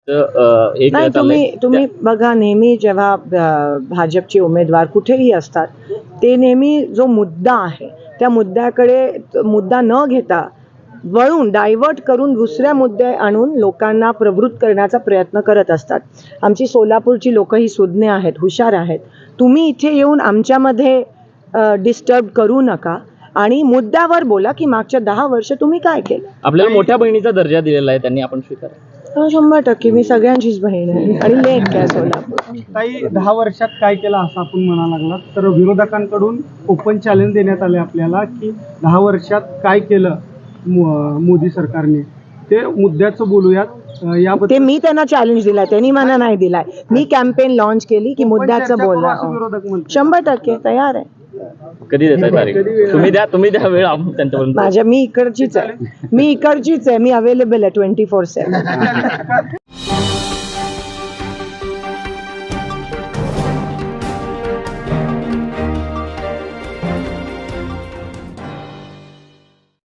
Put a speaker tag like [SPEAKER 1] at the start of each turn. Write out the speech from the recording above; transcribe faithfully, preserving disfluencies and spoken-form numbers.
[SPEAKER 1] अ, एक
[SPEAKER 2] नाही, तुम्ही
[SPEAKER 1] चाललंय.
[SPEAKER 2] तुम्ही बघा, नेहमी जेव्हा अ, भाजपचे उमेदवार कुठेही असतात, ते नेहमी जो मुद्दा आहे त्या मुद्द्याकडे मुद्दा न घेता वळून डायव्हर्ट करून दुसऱ्या मुद्दे आणून लोकांना प्रवृत्त करण्याचा प्रयत्न करत असतात. आमची सोलापूरची लोक ही सुज्ञ आहेत, हुशार आहेत. तुम्ही इथे येऊन आमच्यामध्ये डिस्टर्ब करू नका आणि मुद्द्यावर बोला की मागच्या दहा वर्ष तुम्ही काय केलं.
[SPEAKER 1] आपल्याला मोठ्या बहिणीचा दर्जा दिलेला आहे, त्यांनी आपण स्वीकार.
[SPEAKER 2] हा, शंभर टक्के मी सगळ्यांचीच बहीण आहे आणि लेक आहे सोलापूर.
[SPEAKER 3] काही दहा वर्षात काय केलं असं आपण म्हणा लागला तर विरोधकांकडून ओपन चॅलेंज देण्यात आले आपल्याला की दहा वर्षात काय केलं मो- मोदी सरकारने, ते मुद्द्याचं बोलूयात. अं, याबद्दल
[SPEAKER 2] ते मी त्यांना चॅलेंज दिलाय, त्यांनी मला नाही दिलाय. मी कॅम्पेन लॉन्च केली की
[SPEAKER 3] open
[SPEAKER 2] मुद्द्याचं
[SPEAKER 3] चर्चा करू
[SPEAKER 2] बोला.
[SPEAKER 3] असं विरोधक म्हणतात.
[SPEAKER 2] शंभर टक्के तयार आहे.
[SPEAKER 1] कधी देताय तारीख?
[SPEAKER 3] कधी वेळ?
[SPEAKER 1] तुम्ही द्या तुम्ही द्या वेळ, आपण त्यांच्यापर्यंत.
[SPEAKER 2] माझ्या मी इकडचीच आहे मी इकडचीच आहे मी अवेलेबल आहे ट्वेंटी फोर सेवन.